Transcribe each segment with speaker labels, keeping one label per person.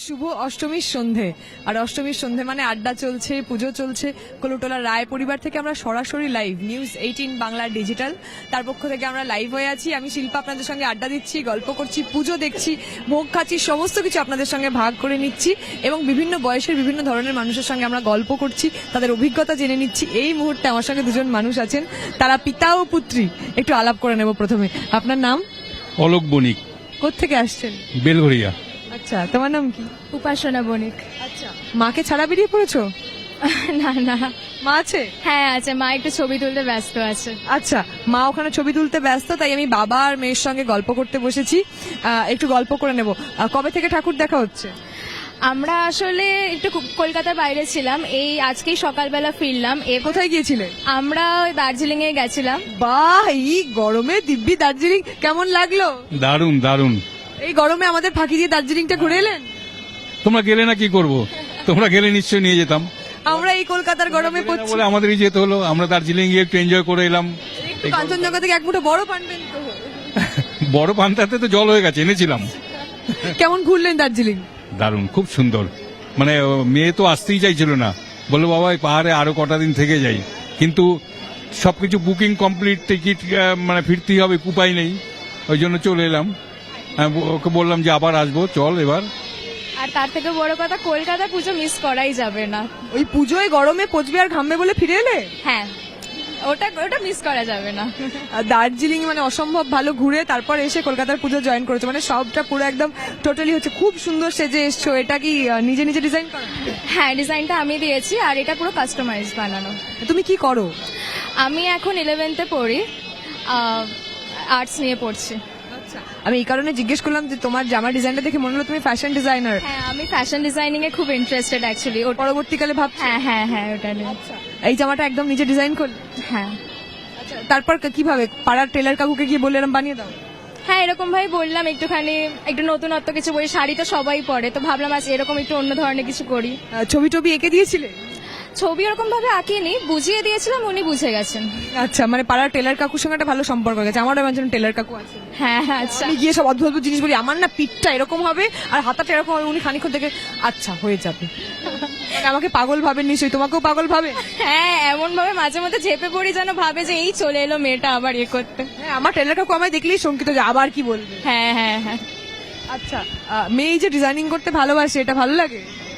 Speaker 1: শুভ অষ্টমীর সন্ধে আর অষ্টমীর সন্ধে মানে আড্ডা চলছে, পুজো চলছে। কলুটোলা রায় পরিবার থেকে আমরা সরাসরি লাইভ নিউজ 18 বাংলা ডিজিটাল তার পক্ষ থেকে আমরা লাইভ হয়ে আছি। আমি শিল্পা আপনাদের সঙ্গে আড্ডা দিচ্ছি, গল্প করছি, পুজো দেখছি, ভোগ খাচ্ছি, সমস্ত কিছু আপনাদের সঙ্গে ভাগ করে নিচ্ছি এবং বিভিন্ন বয়সের বিভিন্ন ধরনের মানুষের সঙ্গে আমরা গল্প করছি, তাদের অভিজ্ঞতা জেনে নিচ্ছি। এই মুহূর্তে আমার সঙ্গে দুজন মানুষ আছেন, তারা পিতা ও পুত্রী। একটু আলাপ করে নেব। প্রথমে আপনার নাম?
Speaker 2: অলোক বণিক,
Speaker 1: কোত্থেকে আসছেন?
Speaker 2: বেলঘরিয়া।
Speaker 1: আচ্ছা, তোমার নাম কি?
Speaker 3: উপাসনা বণিক।
Speaker 1: আচ্ছা, মাকে ছাড়া বেরিয়ে পড়েছো?
Speaker 3: না না,
Speaker 1: মা আছে?
Speaker 3: হ্যাঁ আছে, মা একটু ছবি তুলতে ব্যস্ত আছে।
Speaker 1: আচ্ছা, মা ওখানে ছবি তুলতে ব্যস্ত, তাই আমি বাবা আর মেয়ের সঙ্গে গল্প করতে বসেছি। একটু গল্প করে নেব। কবে থেকে ঠাকুর দেখা হচ্ছে?
Speaker 3: আমরা আসলে একটু কলকাতার বাইরে ছিলাম, এই আজকেই সকালবেলা ফিরলাম।
Speaker 1: কোথায় গিয়েছিলে?
Speaker 3: আমরা দার্জিলিং এ গেছিলাম।
Speaker 1: বাহ, এই গরমে দিব্যি দার্জিলিং কেমন লাগলো?
Speaker 2: দারুণ দারুণ।
Speaker 1: এই গরমে আমাদের ফাঁকি দিয়ে দার্জিলিংটা ঘুরে এলেন?
Speaker 2: তোমরা গেলে না, কি করব? তোমরা গেলে নিশ্চয়ই নিয়ে যেতাম।
Speaker 1: আমরা এই কলকাতার গরমে পড়ছি
Speaker 2: বলে আমাদেরই যেতে হলো। আমরা দার্জিলিং গিয়ে একটু এনজয় করে এলাম।
Speaker 1: একটু কাঞ্চনজঙ্ঘা থেকে এক মুঠো বড় পানবেন তো?
Speaker 2: বড় পান্তাতে তো জল হয়ে গেছে, এনেছিলাম।
Speaker 1: কেমন ঘুরলেন দার্জিলিং?
Speaker 2: দারুণ, খুব সুন্দর। মানে মেয়ে তো আসতেই চাইছিল না, বললো বাবা এই পাহাড়ে আরো কটা দিন থেকে যাই, কিন্তু সবকিছু বুকিং কমপ্লিট, টিকিট মানে ফিরতেই হবে, উপায় নেই, ওই জন্য চলে এলাম। ওকে বললাম যে আবার আসবো, চল এবার।
Speaker 3: আর তার থেকে বড় কথা, কলকাতা পুজো মিস করাই যাবে না।
Speaker 1: ওই পুজোয় গরমে পচবে আর ঘামবে বলে ফিরে এলে?
Speaker 3: হ্যাঁ, ওটা মিস করা যাবে না।
Speaker 1: আর দার্জিলিং মানে অসম্ভব ভালো ঘুরে তারপর এসে কলকাতার পুজো জয়েন করেছো, মানে সবটা পুরো একদম টোটালি হচ্ছে। খুব সুন্দর সেজে এসছো। এটা কি নিজে নিজে ডিজাইন করো?
Speaker 3: হ্যাঁ, ডিজাইনটা আমি দিয়েছি আর এটা পুরো কাস্টমাইজ বানানো।
Speaker 1: তুমি কি করো?
Speaker 3: আমি এখন 11th-এ পড়ি, আর্টস নিয়ে পড়ছি।
Speaker 1: আচ্ছা, আমি এই কারণে জিজ্ঞেস করলাম যে তোমার জামা ডিজাইনটা দেখে মনে হলো তুমি ফ্যাশন ডিজাইনার।
Speaker 3: হ্যাঁ, আমি ফ্যাশন ডিজাইনিং এ খুব ইন্টারেস্টেড অ্যাকচুয়ালি।
Speaker 1: পরবর্তীকালে ভাবছো?
Speaker 3: হ্যাঁ হ্যাঁ হ্যাঁ, ওটা নিয়ে।
Speaker 1: এই জামাটা একদম নিজে ডিজাইন করলে?
Speaker 3: হ্যাঁ।
Speaker 1: আচ্ছা, তারপর কিভাবে পাড়ার টেলার কাকুকে গিয়ে বললাম বানিয়ে দাও?
Speaker 3: হ্যাঁ, এরকম ভাই বললাম একটুখানি, একটু নতুনত্ব কিছু বই, শাড়ি তো সবাই পরে, তো ভাবলাম আজ এরকম একটু অন্য ধরনের কিছু করি।
Speaker 1: ছবি টবি এঁকে দিয়েছিলে?
Speaker 3: ছবি এরকম ভাবে আঁকিনি, বুঝিয়ে দিয়েছিলাম, উনি বুঝে গেছেন।
Speaker 1: আচ্ছা, মানে পাড়ার টেলার কাকুর সঙ্গে একটা ভালো সম্পর্ক গেছে। আমারও একজন টেলার কাকু আছে।
Speaker 3: হ্যাঁ হ্যাঁ, আচ্ছা।
Speaker 1: আমি গিয়ে সব অদ্ভুত অদ্ভুত জিনিস বলি, আমার না পিঠটা এরকম হবে আর হাতাটা এরকম হবে, উনি খানিক্ষণ থেকে আচ্ছা হয়ে যাবে। মানে আমাকে পাগল ভাবেন নিশ্চয়ই, তোমাকেও পাগল ভাবে?
Speaker 3: হ্যাঁ, এমন ভাবে মাঝে মধ্যে ঝেপে পড়ি, যেন ভাবে যে এই চলে এলো মেয়েটা আবার ইয়ে করতে।
Speaker 1: হ্যাঁ, আমার টেলার কাকু আমায় দেখলেই শঙ্কিত যে আবার কি বলবে।
Speaker 3: হ্যাঁ হ্যাঁ হ্যাঁ।
Speaker 1: আচ্ছা, মেয়ে যে ডিজাইনিং করতে ভালোবাসে, এটা ভালো লাগে?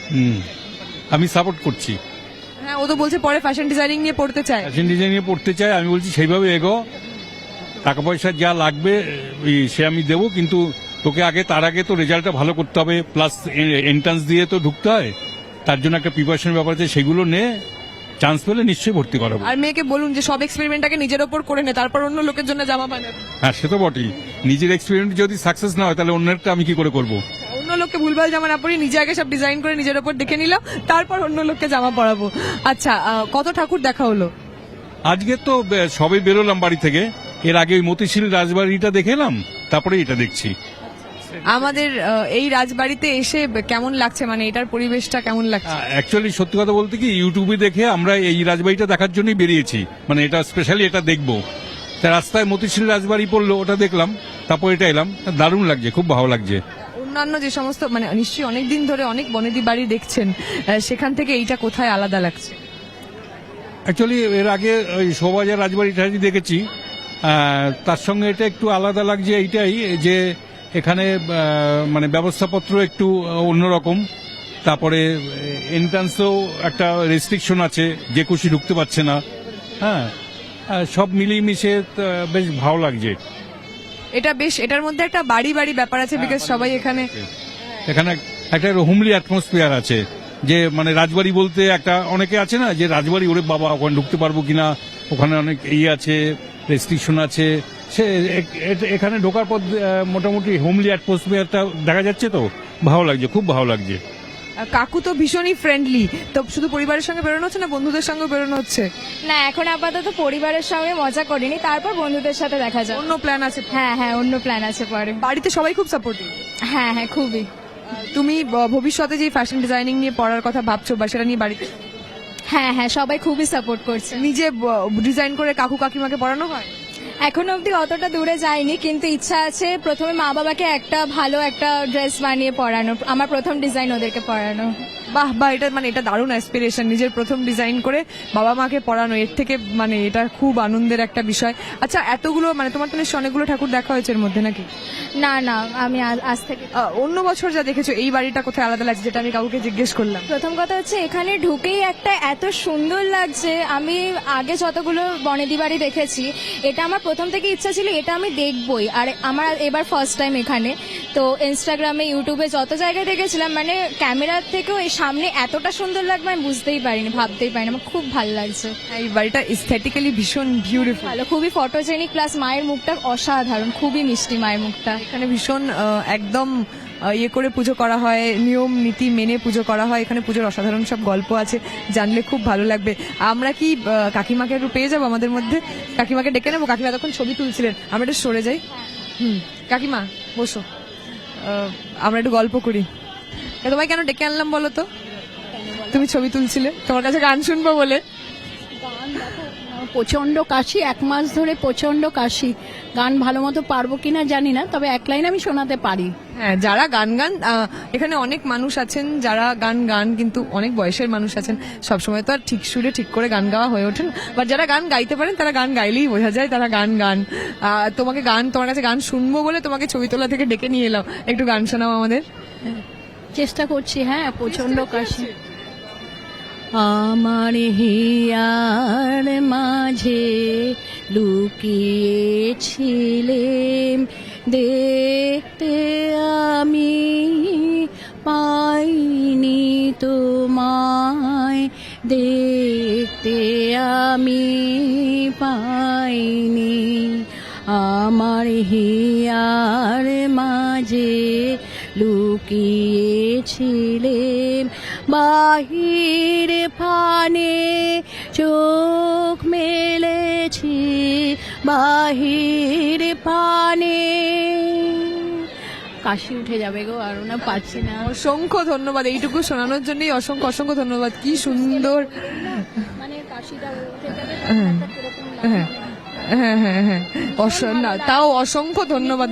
Speaker 2: আমি সাপোর্ট করছি।
Speaker 1: হ্যাঁ, ও তো বলছে পরে ফ্যাশন ডিজাইনিং নিয়ে পড়তে চায়।
Speaker 2: ফ্যাশন ডিজাইনিং পড়তে চাই, আমি বলছি সেইভাবে এগো, টাকা পয়সা যা লাগবে সে আমি দেবো, কিন্তু তোকে আগে, তার আগে তো রেজাল্টটা ভালো করতে হবে, প্লাস এন্ট্রান্স দিয়ে তো ঢুকতে হয়, তার জন্য একটা প্রিপারেশনের ব্যাপার আছে, সেগুলো নে, চান্স পেলে নিশ্চয়ই ভর্তি করাবো।
Speaker 1: আর মেয়েকে বলুন যে সব এক্সপেরিমেন্টটাকে নিজের ওপর করে নে, তারপর অন্য লোকের জন্য জামা বানাবে।
Speaker 2: হ্যাঁ, সে তো বটেই। নিজের এক্সপেরিমেন্ট যদি সাকসেস না হয়, তাহলে অন্যেরটা আমি কি করে করবো?
Speaker 1: অন্য লোককে ভুলভাল জামা না পরি, নিজে আগে সব ডিজাইন করে নিজের ওপর দেখে নিলাম, তারপর অন্য লোককে জামা পরাবো। আচ্ছা, কত ঠাকুর দেখা হলো?
Speaker 2: আজকে তো সবে বেরোলাম বাড়ি থেকে, এর আগে ওই মতিশীল রাজবাড়িটা দেখে এলাম, তারপরে এটা দেখছি।
Speaker 1: আমাদের এই রাজবাড়িতে এসে কেমন লাগছে, মানে এটার পরিবেশটা কেমন লাগছে?
Speaker 2: অ্যাকচুয়ালি সত্যি কথা বলতে কি, ইউটিউবে দেখে আমরা এই রাজবাড়িটা দেখার জন্যই বেরিয়েছি, মানে এটা স্পেশালি এটা দেখবো। তা রাস্তায় মতিশীল রাজবাড়ি পড়লো, ওটা দেখলাম, তারপর এটা এলাম। দারুণ লাগছে, খুব ভালো লাগছে।
Speaker 1: অন্যান্য যে সমস্ত মানে নিশ্চয়ই অনেকদিন ধরে অনেক বনেদি বাড়ি দেখছেন, সেখান থেকে এইটা কোথায় আলাদা লাগছে?
Speaker 2: অ্যাকচুয়ালি এর আগে ওই শোভাবাজার রাজবাড়িটা দেখেছি, তার সঙ্গে এটা একটু আলাদা লাগছে এইটাই যে এখানে মানে ব্যবস্থাপত্র একটু অন্যরকম, তারপরে এন্ট্রান্সেও একটা রেস্ট্রিকশন আছে, যে খুশি ঢুকতে পারছে না। হ্যাঁ, সব মিলিয়ে মিশে বেশ ভালো লাগছে।
Speaker 1: এটা বেশ, এটার মধ্যে একটা বাড়ি বাড়ি ব্যাপার আছে, বিকজ সবাই এখানে
Speaker 2: একটা হোমলি অ্যাটমসফিয়ার আছে, যে মানে রাজবাড়ি বলতে একটা অনেকে আছে না, যে রাজবাড়ি ওরে বাবা ওখানে ঢুকতে পারবো কিনা, ওখানে অনেক আছে, রেস্ট্রিকশন আছে। সে এখানে ঢোকার পর মোটামুটি হোমলি অ্যাটমসফিয়ারটা দেখা যাচ্ছে, তো ভালো লাগছে, খুব ভালো লাগছে।
Speaker 1: কাকু তো ভীষণই ফ্রেন্ডলি। তো শুধু পরিবারের সঙ্গে বেরোনো হচ্ছে না বন্ধুদের সঙ্গে বেরোনো হচ্ছে?
Speaker 3: না, এখন আপাতত পরিবারের সঙ্গে মজা করিনি, তারপর বন্ধুদের সাথে দেখা যাবে।
Speaker 1: অন্য প্ল্যান আছে?
Speaker 3: হ্যাঁ হ্যাঁ, অন্য প্ল্যান আছে পরে।
Speaker 1: বাড়িতে সবাই খুব সাপোর্টিভ?
Speaker 3: হ্যাঁ হ্যাঁ, খুবই।
Speaker 1: তুমি ভবিষ্যতে যে ফ্যাশন ডিজাইনিং নিয়ে পড়ার কথা ভাবছো বা সেটা নিয়ে বাড়িতে?
Speaker 3: হ্যাঁ হ্যাঁ, সবাই খুবই সাপোর্ট করছে।
Speaker 1: নিজে ডিজাইন করে কাকু কাকিমাকে পড়ানো হয়?
Speaker 3: এখনো অবধি অতটা দূরে যাইনি, কিন্তু ইচ্ছা আছে প্রথমে মা বাবাকে একটা ভালো একটা ড্রেস বানিয়ে পরানো, আমার প্রথম ডিজাইন ওদেরকে পরানো।
Speaker 1: বাহ বাহ, এটা মানে এটা দারুণ অ্যাসপিরেশন, নিজের প্রথম ডিজাইন করে বাবা মাকে পড়ানো, এর থেকে মানে এটা খুব আনন্দের একটা বিষয়। আচ্ছা, এতগুলো মানে তোমার তো নিশ্চয়ই অনেকগুলো ঠাকুর দেখা হয়েছে এর মধ্যে নাকি?
Speaker 3: না না, আমি আজ থেকে
Speaker 1: অন্য বছর যা দেখেছো এই বাড়িটা কোথায় আলাদা লাগছে, যেটা আমি কাউকে জিজ্ঞেস করলাম?
Speaker 3: প্রথম কথা হচ্ছে এখানে ঢুকেই একটা এত সুন্দর লাগছে। আমি আগে যতগুলো বনেদি বাড়ি দেখেছি, এটা আমার প্রথম থেকে ইচ্ছা ছিল এটা আমি দেখবই, আর আমার এবার ফার্স্ট টাইম এখানে। তো ইনস্টাগ্রামে ইউটিউবে যত জায়গায় দেখেছিলাম, মানে ক্যামেরার থেকেও এই সামনে এতটা সুন্দর লাগবে আমি বুঝতেই পারিনি, ভাবতেই পারিনি। আমার খুব ভালো লাগছে।
Speaker 1: এই বাড়িটা এস্থেটিক্যালি ভীষণ বিউটিফুল,
Speaker 3: ভালো, খুবই ফটোজেনিক, প্লাস মায়ের মুখটা অসাধারণ, খুবই মিষ্টি মায়ের মুখটা।
Speaker 1: এখানে ভীষণ একদম ইয়ে করে পুজো করা হয়, নিয়ম নীতি মেনে পুজো করা হয়। এখানে পুজোর অসাধারণ সব গল্প আছে, জানলে খুব ভালো লাগবে। আমরা কি কাকিমাকে একটু পেয়ে যাবো আমাদের মধ্যে? কাকিমাকে ডেকে নেবো। কাকিমা তখন ছবি তুলছিলেন, আমরা একটু সরে যাই। কাকিমা বসো, আমরা একটু গল্প করি। তোমায় কেন ডেকে আনলাম বলো তো? তুমি ছবি তুলছিলে, তোমার কাছে গান শুনবো বলে।
Speaker 4: প্রচন্ড কাশি, 1 মাস ধরে প্রচন্ড কাশি। গান ভালো মতো পারবো কিনা জানি না, তবে এক লাইন আমি শোনাতে পারি।
Speaker 1: হ্যাঁ, যারা গান এখানে অনেক মানুষ আছেন যারা গান কিন্তু অনেক বয়সের মানুষ আছেন, সবসময় তো আর ঠিক সুরে ঠিক করে গান গাওয়া হয়ে ওঠেন, বা যারা গান গাইতে পারেন তারা গান গাইলেই বোঝা যায় তারা গান। তোমার কাছে গান শুনবো বলে তোমাকে ছবি তোলা থেকে ডেকে নিয়ে এলাম, একটু গান শোনাও আমাদের।
Speaker 4: চেষ্টা করছি। হ্যাঁ, প্রচন্ড কাশি। আমার হিয়ার মাঝে লুকিয়েছিলেম, দেখতে আমি পাইনি তোমায়, দেখতে আমি পাইনি। আমার হিয়ার মাঝে লুকিয়েছিলেম, বাহির ফানে চোখ মেলেছি, বাহির ফানে। কাশি উঠে যাবে গো, আর না পারছি না।
Speaker 1: অসংখ্য ধন্যবাদ, এইটুকু শোনানোর জন্যই অসংখ্য অসংখ্য ধন্যবাদ। কি সুন্দর,
Speaker 4: মানে কাশিটা উঠে যাবে,
Speaker 1: হ্যাঁ হ্যাঁ হ্যাঁ হ্যাঁ, তাও অসংখ্য ধন্যবাদ।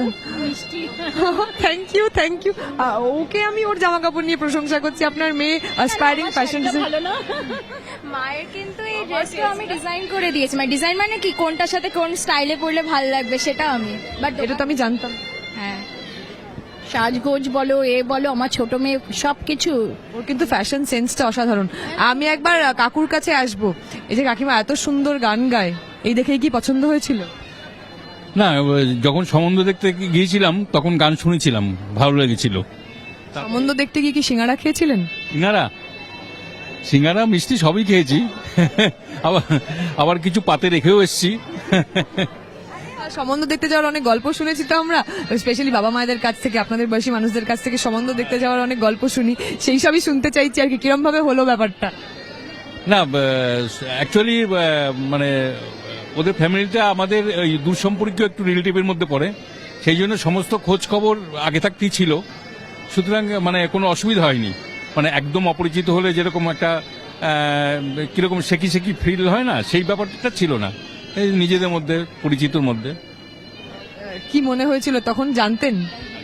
Speaker 1: Thank you. ওকে আমি ওর জামা কাপড় নিয়ে প্রশংসা করছি, আপনার মেয়ে অ্যাসপায়ারিং ফ্যাশন
Speaker 4: ভালো না?
Speaker 3: মায়ের কিন্তু এই ড্রেসটা আমি ডিজাইন করে দিয়েছি, মানে ডিজাইন মানে কি, কোনটার সাথে কোন স্টাইলে পরলে ভালো লাগবে সেটা আমি, বাট
Speaker 1: এটা তো আমি জানতাম।
Speaker 3: হ্যাঁ,
Speaker 4: সাজগোজ বলো, এ বলো, আমার ছোট মেয়ে সবকিছু।
Speaker 1: ওর কিন্তু ফ্যাশন সেন্সটা অসাধারণ। আমি একবার কাকুর কাছে আসবো, এই যে কাকিমা এত সুন্দর গান গায়, এই দেখেই কি পছন্দ হয়েছিল?
Speaker 2: না, যখন সম্বন্ধ দেখতে গিয়েছিলাম তখন গান শুনেছিলাম, ভালো লেগেছিল।
Speaker 1: সম্বন্ধ দেখতে গিয়ে কি সিঙ্গারা খেয়েছিলেন?
Speaker 2: সিঙ্গারা মিষ্টি সবই খেয়েছি, আবার কিছু পাতে রেখেও এসেছি।
Speaker 1: সম্বন্ধ দেখতে যাওয়ার অনেক গল্প শুনেছি তো আমরা, স্পেশালি বাবা মায়েদের কাছ থেকে, আপনাদের বয়সী মানুষদের কাছ থেকে সম্বন্ধ দেখতে যাওয়ার অনেক গল্প শুনি, সেই সবই শুনতে চাইছি আর কি, কিরম ভাবে হলো ব্যাপারটা?
Speaker 2: না, অ্যাকচুয়ালি মানে ওদের ফ্যামিলিটা আমাদের দূর সম্পর্কীয় একটু রিলেটিভের মধ্যে পড়ে, সেই জন্য সমস্ত খোঁজ খবর আগে থাকতেই ছিল, সুতরাং মানে কোনো অসুবিধা হয়নি। মানে একদম অপরিচিত হলে যেরকম একটা কিরকম শেকি ফিল হয় না, সেই ব্যাপারটা ছিল না, এই নিজেদের মধ্যে পরিচিতর মধ্যে।
Speaker 1: কি মনে হয়েছিল তখন, জানতেন?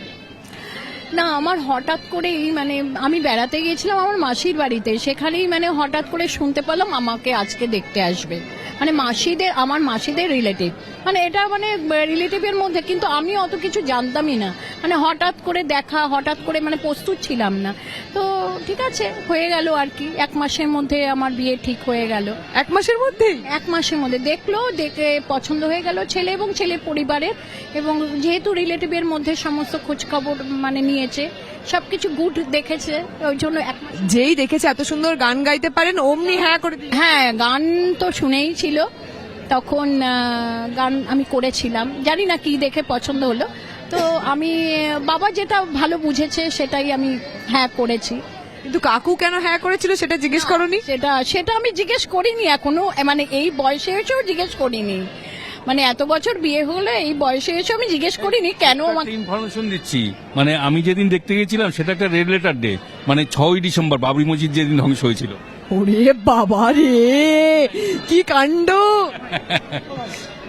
Speaker 4: না, আমার হঠাৎ করেই মানে আমি বেড়াতে গিয়েছিলাম আমার মাসির বাড়িতে, সেখানেই মানে হঠাৎ করে শুনতে পেলাম আমাকে আজকে দেখতে আসবে, মানে আমার মাসিদের রিলেটিভ, মানে এটা মানে রিলেটিভের মধ্যে, কিন্তু আমি অত কিছু জানতামই না, মানে হঠাৎ করে দেখা, হঠাৎ করে মানে প্রস্তুত ছিলাম না। তো ঠিক আছে, হয়ে গেল আর কি, 1 মাসের মধ্যে আমার বিয়ে ঠিক হয়ে গেল।
Speaker 1: 1 মাসের মধ্যেই?
Speaker 4: 1 মাসের মধ্যে দেখে পছন্দ হয়ে গেল ছেলে এবং ছেলের পরিবারের, এবং যেহেতু রিলেটিভের মধ্যে সমস্ত খোঁজখবর মানে নিয়েছে, সবকিছু গুড দেখেছে, ওই জন্য 1 মাস।
Speaker 1: যেই দেখেছে এত সুন্দর গান গাইতে পারেন, অমনি হ্যাঁ করে দিল।
Speaker 4: হ্যাঁ, গান তো শুনেই ছিল, তখন গান আমি করেছিলাম, জানি না কি দেখে পছন্দ হলো, তো আমি বাবা যেটা ভালো বুঝেছে সেটাই আমি হ্যাঁ করেছি।
Speaker 1: কিন্তু কাকু কেন হ্যাঁ করেছিল সেটা জিজ্ঞেস করনি?
Speaker 4: সেটা আমি জিজ্ঞেস করিনি এখনো, মানে এই বয়সে এসেও জিজ্ঞেস করিনি, মানে এত বছর বিয়ে হলে এই বয়সে এসে আমি জিজ্ঞেস করিনি কেন আমাকে।
Speaker 2: ইনফরমেশন দিচ্ছি, মানে আমি যেদিন দেখতে গেছিলাম সেটা একটা রেড লেটার ডে, মানে 6ই ডিসেম্বর বাবরি মসজিদ যেদিন ধ্বংস হয়েছিল।
Speaker 1: ওরে বাবা রে, কি কাণ্ড!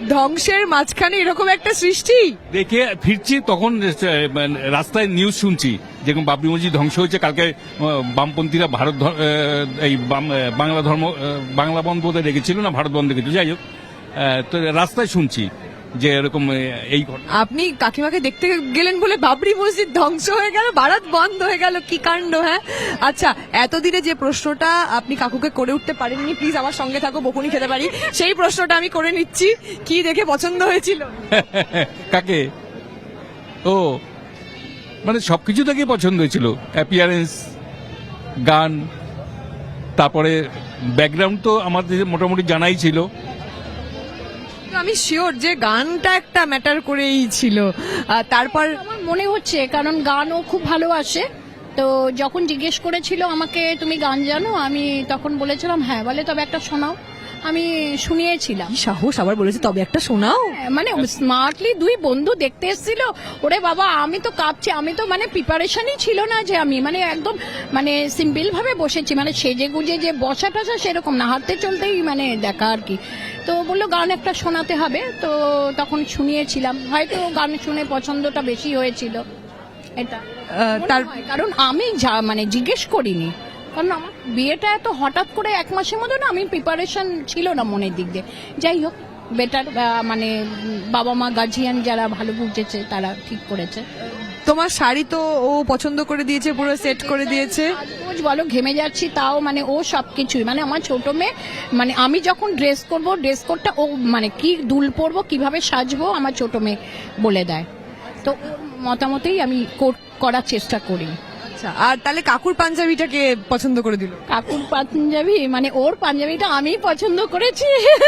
Speaker 1: ধ্বংসের মাঝখানে এরকম একটা সৃষ্টি।
Speaker 2: দেখে ফিরছি তখন মানে রাস্তায় নিউজ শুনছি যেরকম বাবরি মসজিদ ধ্বংস হয়েছে, কালকে বামপন্থীরা ভারত এই বাংলা ধর্ম বাংলা বন্ধ বোধহয় রেখেছিল না ভারত বন্ধ রেখেছিল, যাই হোক তো রাস্তায় শুনছি যে এরকম এই ঘটনা।
Speaker 1: আপনি কাকিমাকে দেখতে গেলেন বলে বাবরি মসজিদ ধ্বংস হয়ে গেল, ভারত বন্ধ হয়ে গেল, কি কাণ্ড। হ্যাঁ আচ্ছা, এতদিনে যে প্রশ্নটা আপনি কাকুকে করে উঠতে পারেননি, প্লিজ আমার সঙ্গে থাকো, বকুনি খেতে পারি, সেই প্রশ্নটা আমি করে নিচ্ছি। কি দেখে পছন্দ হয়েছিল?
Speaker 2: কাকে? ও মানে সবকিছু থেকে পছন্দ হয়েছিল, অ্যাপিয়ারেন্স, গান, তারপরে ব্যাকগ্রাউন্ড তো আমাদের মোটামুটি জানাই ছিল।
Speaker 1: আমি শিওর যে গানটা একটা ম্যাটার করেই ছিল। তারপর
Speaker 4: আমার মনে হচ্ছে, কারণ গানও খুব ভালোবাসে। তো যখন জিজ্ঞেস করেছিল আমাকে তুমি গান জানো, আমি তখন বলেছিলাম হ্যাঁ। বলে তবে একটা শোনাও। আমি শুনিয়েছিলাম।
Speaker 1: কি সাহস, আবার বলেছে তবে একটা শোনাও।
Speaker 4: মানে স্মার্টলি দুই বন্ধু দেখতে এসেছিল, ওরে বাবা আমি তো কাঁপছি। আমি তো মানে প্রিপারেশনই ছিল না যে আমি মানে একদম মানে সিম্পল ভাবে বসেছি, মানে সেজে গুজে যে বসা টসা সেরকম না, হাঁটতে চলতেই মানে দেখা আর কি। তো বললো গান একটা শোনাতে হবে, তো তখন শুনিয়েছিলাম। হয়তো গান শুনে পছন্দটা বেশি হয়েছিল এটা,
Speaker 1: তার
Speaker 4: কারণ আমি মানে জিজ্ঞেস করিনি, কারণ আমার বিয়েটা এত হঠাৎ করে 1 মাসের মধ্যে না, আমি প্রিপারেশন ছিল না মনের দিক দিয়ে। যাই হোক, বেটার মানে বাবা মা গার্জিয়ান যারা ভালো বুঝেছে তারা ঠিক করেছে।
Speaker 1: তোমার শাড়ি তো ও পছন্দ করে দিয়েছে, পুরো সেট করে দিয়েছে।
Speaker 4: রোজ বলো ঘেমে যাচ্ছি, তাও মানে ও সবকিছুই মানে আমার ছোট মেয়ে, মানে আমি যখন ড্রেস করব ড্রেস কোডটা ও মানে কি দুল পরবো কিভাবে সাজবো আমার ছোট মেয়ে বলে দেয়। তো ওর মতামতেই আমি করার চেষ্টা করি।
Speaker 1: আচ্ছা, আর তাহলে কাকুর পাঞ্জাবিটাকে পছন্দ করে দিল?
Speaker 4: কাকুর পাঞ্জাবি মানে ওর পাঞ্জাবিটা আমি পছন্দ করেছি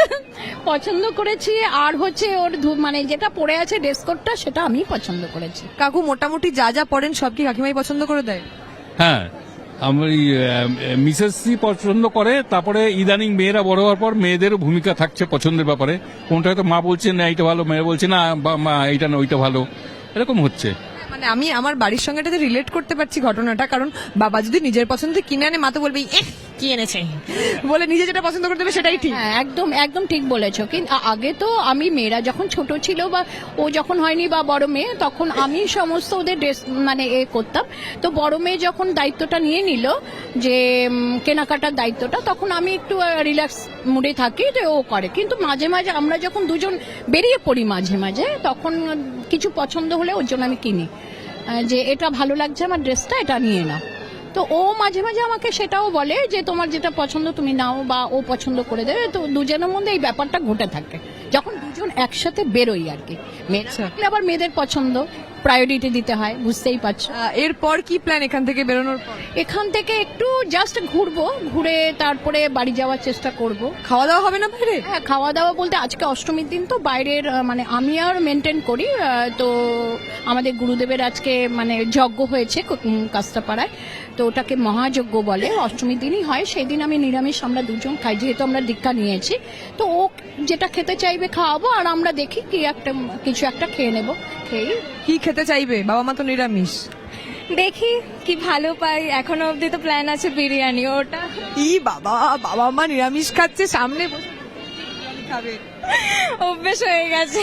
Speaker 4: আর হচ্ছে ওর মানে যেটা পরে আছে ড্রেস কোডটা সেটা আমি পছন্দ করেছি।
Speaker 1: কাকু মোটামুটি যা যা পড়েন সব কি কাকিমাই পছন্দ করে দেয়?
Speaker 2: হ্যাঁ, আমার মিসেসই পছন্দ করে। তারপরে ইদানিং মেয়েরা বড় হওয়ার পর মেয়েদেরও ভূমিকা থাকছে পছন্দের ব্যাপারে। কোনটা হয়তো মা বলছে না এইটা ভালো, মেয়ে বলছে না মা এইটা না ওইটা ভালো, এরকম হচ্ছে।
Speaker 1: মানে আমি আমার বাড়ির সঙ্গে এটাতে রিলেট করতে পারছি ঘটনাটা, কারণ বাবা যদি নিজের পছন্দ কিনে আনে, মা তো বলবে কি এনেছে বলে, নিজে যেটা পছন্দ করতে হবে সেটাই ঠিক।
Speaker 4: হ্যাঁ, একদম একদম ঠিক বলেছো। কিন্তু আগে তো আমি মেয়েরা যখন ছোট ছিল বা ও যখন হয়নি বা বড় মেয়ে, তখন আমি সমস্ত ওদের ড্রেস মানে করতাম। তো বড় মেয়ে যখন দায়িত্বটা নিয়ে নিল যে কেনাকাটার দায়িত্বটা, তখন আমি একটু রিল্যাক্স মুডে থাকি যে ও করে। কিন্তু মাঝে মাঝে আমরা যখন দুজন বেরিয়ে পড়ি মাঝে মাঝে, তখন কিছু পছন্দ হলে ওর জন্য আমি কিনি যে এটা ভালো লাগছে আমার ড্রেসটা, এটা নিয়ে নাও। তো ও মাঝে মাঝে আমাকে সেটাও বলে যে তোমার যেটা পছন্দ তুমি নাও, বা ও পছন্দ করে দেবে। তো দুজনের মধ্যে এই ব্যাপারটা ঘটে থাকে যখন দুজন একসাথে বেরোই আর কি। মেয়েরা থাকলে আবার মেয়েদের পছন্দ প্রায়োরিটি দিতে হয়, বুঝতেই পারছো।
Speaker 1: এরপর কি প্ল্যান এখান থেকে বেরোনোর পর?
Speaker 4: এখান থেকে একটু জাস্ট ঘুরবো, ঘুরে তারপরে বাড়ি যাওয়ার চেষ্টা করব।
Speaker 1: খাওয়া দাওয়া হবে না বাইরে?
Speaker 4: হ্যাঁ, খাওয়া দাওয়া বলতে আজকে অষ্টমীর দিন তো বাইরের মানে আমি আর মেনটেন করি। তো আমাদের গুরুদেবের আজকে মানে যজ্ঞ হয়েছে কাস্তাপাড়ায়, তো ওটাকে মহাযজ্ঞ বলে, অষ্টমীর দিনই হয়। সেই দিন আমি নিরামিষ আমরা দুজন খাই, যেহেতু আমরা দীক্ষা নিয়েছি। তো ও যেটা খেতে চাইবে খাওয়াবো, আর আমরা দেখি কি একটা কিছু একটা খেয়ে নেবো। খেয়ে
Speaker 1: কি খেতে চাইবে? বাবা মা তো নিরামিষ।
Speaker 3: দেখি কি ভালো পাই, এখনো অবধি তো প্ল্যান আছে বিরিয়ানি। ওটা
Speaker 1: ই বাবা, বাবা মা নিরামিষ খাচ্ছে, সামনে বসে বিরিয়ানি খাবে,
Speaker 3: অভ্যেস হয়ে গেছে।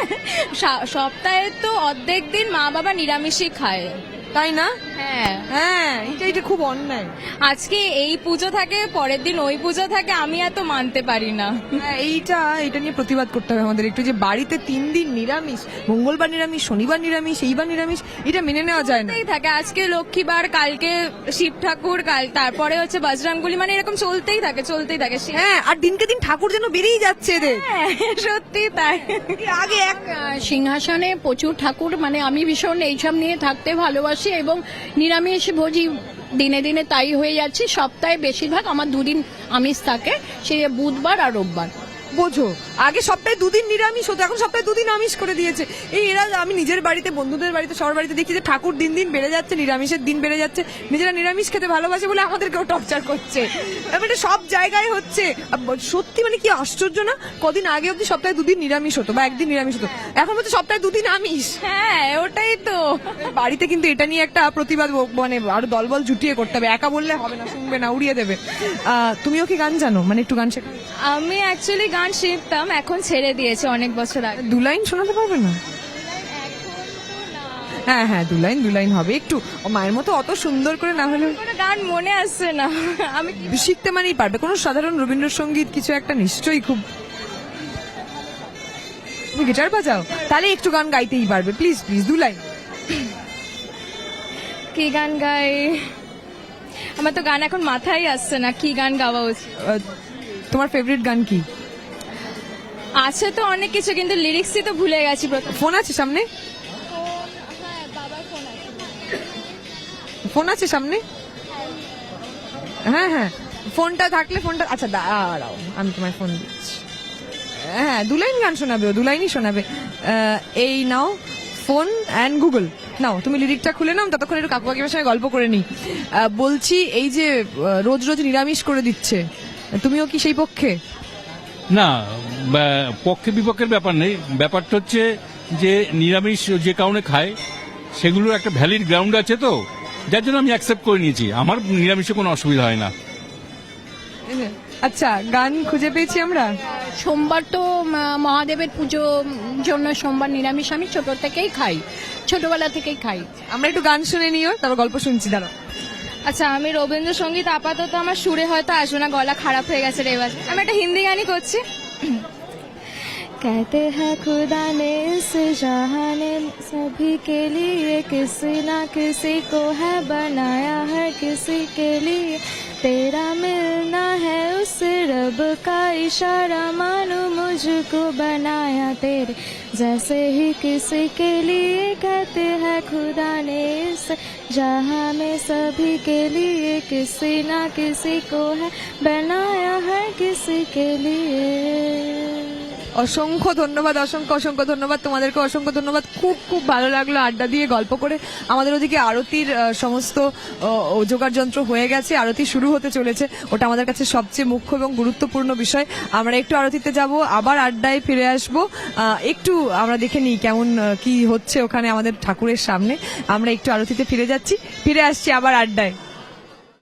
Speaker 3: সপ্তাহে তো অর্ধেক দিন মা বাবা নিরামিষই খায়,
Speaker 1: তাই না?
Speaker 3: হ্যাঁ
Speaker 1: হ্যাঁ, এটা খুব অন্যায়।
Speaker 3: আজকে এই পুজো থাকে, পরের দিন ওই পুজো থাকে, আমি এত মানতে পারি না।
Speaker 1: হ্যাঁ, এইটা নিয়ে প্রতিবাদ করতে হবে আমাদের একটু, যে বাড়িতে 3 দিন নিরামিষ, মঙ্গলবার নিরামিষ, শনিবার নিরামিষ, এইবার নিরামিষ, এটা মেনে নেওয়া যায় না।
Speaker 3: চলতেই থাকে, আজকে লক্ষ্মীবার, কালকে শিব ঠাকুর, তারপরে হচ্ছে বজরংবলী, মানে এরকম চলতেই থাকে।
Speaker 1: হ্যাঁ, আর দিনকে দিন ঠাকুর যেন বেরিয়ে যাচ্ছে এদের।
Speaker 3: হ্যাঁ, সত্যি তাই।
Speaker 1: আগে এক
Speaker 4: সিংহাসনে প্রচুর ঠাকুর, মানে আমি ভীষণ এইসব নিয়ে থাকতে ভালোবাসি, এবং নিরামিষ ভোজি দিনে দিনে তাই হয়ে যাচ্ছে। সপ্তাহে বেশিরভাগ আমার 2 দিন আমিষ থাকে, সে বুধবার আর রোববার।
Speaker 1: বোঝো, আগে সপ্তাহে 2 দিন নিরামিষ হতো, এখন সপ্তাহে 2 দিন আমিষ করে দিয়েছে। এরা, আমি নিজের বাড়িতে, বন্ধুদের বাড়িতে, সবার বাড়িতে দেখি যে ঠাকুর দিন দিন বেড়ে যাচ্ছে, নিরামিষের দিন বেড়ে যাচ্ছে। নিজেরা নিরামিষ খেতে ভালোবাসে বলে আমাদেরকেও টর্চার করছে। এটা সব জায়গায় হচ্ছে। সত্যি মানে কি আশ্চর্য না? কদিন আগে অব্দি সপ্তাহে 2 দিন নিরামিষ হতো বা 1 দিন নিরামিষ হতো, এখন হচ্ছে সপ্তাহে 2 দিন আমিষ।
Speaker 3: হ্যাঁ, ওটাই তো।
Speaker 1: বাড়িতে কিন্তু এটা নিয়ে একটা প্রতিবাদ মানে আরো দলবল জুটিয়ে করতে হবে, একা বললে হবে না, শুনবে না, উড়িয়ে দেবে। তুমিও কি গান জানো? মানে একটু গান শেখা?
Speaker 3: আমি অ্যাকচুয়ালি গান শিখতাম, এখন ছেড়ে দিয়েছে অনেক বছর আগে।
Speaker 1: দু লাইন শোনাতে পারবে না? হ্যাঁ হ্যাঁ, দু লাইন হবে একটু। ও মায়ের মতো অত সুন্দর করে না হলে
Speaker 3: কোনো গান মনে আসছে না। আমি
Speaker 1: শিখতে মানেই পারবে। কোনো সাধারণ রবীন্দ্রসঙ্গীত কিছু একটা নিশ্চয়ই খুব। তুমি গিটার বাজাও, তাহলে একটু গান গাইতেই পারবে। প্লিজ প্লিজ, দু লাইন।
Speaker 3: কি গান গাই, আমার তো গান এখন মাথায় আসছে না, কি গান গাওয়া উচিত।
Speaker 1: তোমার ফেভারিট গান কি?
Speaker 3: আছে তো অনেক কিছু, কিন্তু লিরিক্সই তো ভুলে গেছি।
Speaker 1: ফোন আছে সামনে? ফোন আছে সামনে? হ্যাঁ হ্যাঁ, ফোনটা থাকলে ফোনটা, আচ্ছা দাঁড়াও আমি তোমায় ফোন দিচ্ছি। হ্যাঁ, দু লাইন গান শোনাবে, ও দু লাইনই শোনাবে। এই নাও ফোন অ্যান্ড গুগল, নাও তুমি লিরিকটা খুলে নাও, ততক্ষণ একটু কাকু কাকিমার সঙ্গে গল্প করে নিই। বলছি, এই যে রোজ রোজ নিরামিষ করে দিচ্ছে, তুমিও কি সেই পক্ষে?
Speaker 2: না, পক্ষে বিপক্ষের ব্যাপার নেই। ব্যাপারটা হচ্ছে যে নিরামিষ যে কারণে খায় সেগুলোর একটা ভ্যালিড গ্রাউন্ড আছে, তো যার জন্য আমি অ্যাকসেপ্ট করে নিয়েছি। আমার নিরামিষে কোনো অসুবিধা হয় না।
Speaker 1: আচ্ছা, গান খুঁজে পেয়েছি আমরা।
Speaker 4: সোমবার তো মহাদেবের পুজো জন্য সোমবার নিরামিষ আমি ছোট থেকেই খাই, ছোটবেলা থেকেই খাই।
Speaker 1: আমরা একটু গান শুনে নিও, তারপর গল্প শুনছি। দাঁড়াও।
Speaker 3: আচ্ছা, আমি রবীন্দ্রসঙ্গীত আপাতত আমার সুরে হয়তো আসবে না, গলা খারাপ হয়ে গেছে রেওয়াজ। আমি একটা হিন্দি গানই করছি। कहते हैं खुदा ने इस जहां ने सभी के लिए किसी ना किसी को है बनाया है, किसी के लिए तेरा मिलना है उस रब का इशारा, मानो मुझको बनाया तेरे जैसे ही किसी के लिए। कहते हैं खुदा ने इस जहां में सभी के लिए किसी ना किसी को है बनाया है, किसी के लिए।
Speaker 1: অসংখ্য ধন্যবাদ, অসংখ্য ধন্যবাদ তোমাদেরকে, অসংখ্য ধন্যবাদ। খুব খুব ভালো লাগলো আড্ডা দিয়ে গল্প করে। আমাদের ওদিকে আরতির সমস্ত জোগাড় যন্ত্র হয়ে গেছে, আরতি শুরু হতে চলেছে। ওটা আমাদের কাছে সবচেয়ে মুখ্য এবং গুরুত্বপূর্ণ বিষয়। আমরা একটু আরতিতে যাব, আবার আড্ডায় ফিরে আসব। একটু আমরা দেখে নিই কেমন কি হচ্ছে ওখানে আমাদের ঠাকুরের সামনে। আমরা একটু আরতিতে ফিরে যাচ্ছি, ফিরে আসছি আবার আড্ডায়।